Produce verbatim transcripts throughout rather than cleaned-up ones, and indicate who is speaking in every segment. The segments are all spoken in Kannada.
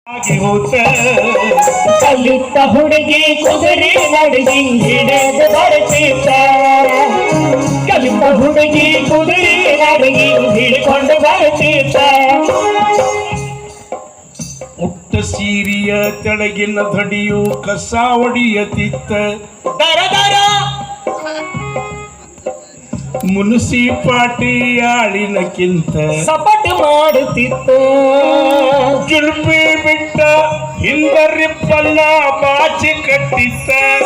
Speaker 1: ಕಲಿತ ಹುಡುಗಿ ಕುದುರೆ ನಡಗಿ ಹಿಡಿದು ಬರ್ತಿದ್ದ ಕಲಿತ ಹುಡುಗಿ ಕುದುರೆ ನಡಗಿ ಹಿಡ್ಕೊಂಡು ಬರ್ತಿದ್ದ
Speaker 2: ಉಟ್ಟ ಸೀರಿಯ ತೆಳಗಿನ ಧಡಿಯು ಕಸ ಹೊಡಿಯತಿತ್ತ
Speaker 1: ದರ ದರ
Speaker 2: ಮುನ್ಸಿಪಾಟಿಯಾಳಿನಕ್ಕಿಂತ
Speaker 1: ಸಪಟ್ ಮಾಡುತ್ತಿತ್ತ
Speaker 2: ಜುಲ್ಪಿ ಬಿಟ್ಟ ಹಿಂದರಿಪ್ಪನ್ನ ಬಾಚಿ ಕಟ್ಟಿತ್ತ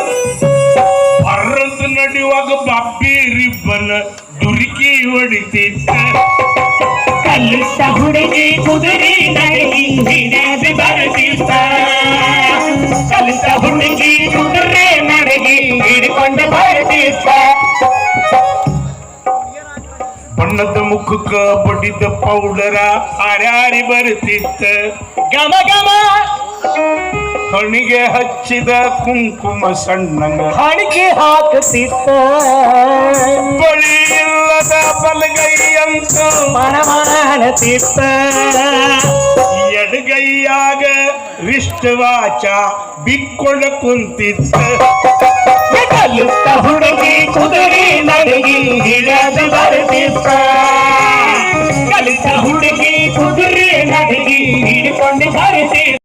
Speaker 2: ಬರದು ನಡೆಯುವಾಗ ಬಾಬ್ಬಿ ರಿಬ್ಬನ ದುರ್ಕಿ ಹೊಡಿತಿತ್ತ
Speaker 1: ಕಲಿತ ಹುಡುಗಿ ಕುದುರೆ ನಡಗಿ ಹಿಡಿದು ಬರ್ತಿದ್ದ ಕಲಿತ ಹುಡುಗಿ ಕುದುರೆ ನಡಗಿ ಹಿಡ್ಕೊಂಡು ಬರ್ತಿದ್ದ
Speaker 2: ಬಣ್ಣದ ಮುಖಕ್ಕ ಬಡಿದ ಪೌಡರ ಹಾರಾರಿ ಬರುತ್ತಿತ್ತ
Speaker 1: ಗಮ ಗಮ
Speaker 2: ಹಣಿಗೆ ಹಚ್ಚಿದ ಕುಂಕುಮ ಸಣ್ಣಂಗ
Speaker 1: ಹಣಿಗೆ ಹಾಕುತ್ತಿತ್ತ
Speaker 2: ಬಳಿ ಇಲ್ಲದ ಬಲಗೈಯಂತ
Speaker 1: ಮನ ಮಾಡುತ್ತಿತ್ತ
Speaker 2: ಎಡಗೈಯಾಗ ವಿಷ್ಟವಾಚ ಬಿಕ್ಕೊಂಡ ಕುಂತಿತ್ತ
Speaker 1: ಕಲಿತ ಹುಡುಗಿ ಕುದುರೆ ನಡಗಿ ಹಿಡಿದು ಬರ್ತಿತ್ತ ಕಲಿತ ಹುಡುಗಿ ಕುದುರೆ ನಡಗಿ ಹಿಡ್ಕೊಂಡು ಬರ್ತಿತ್ತ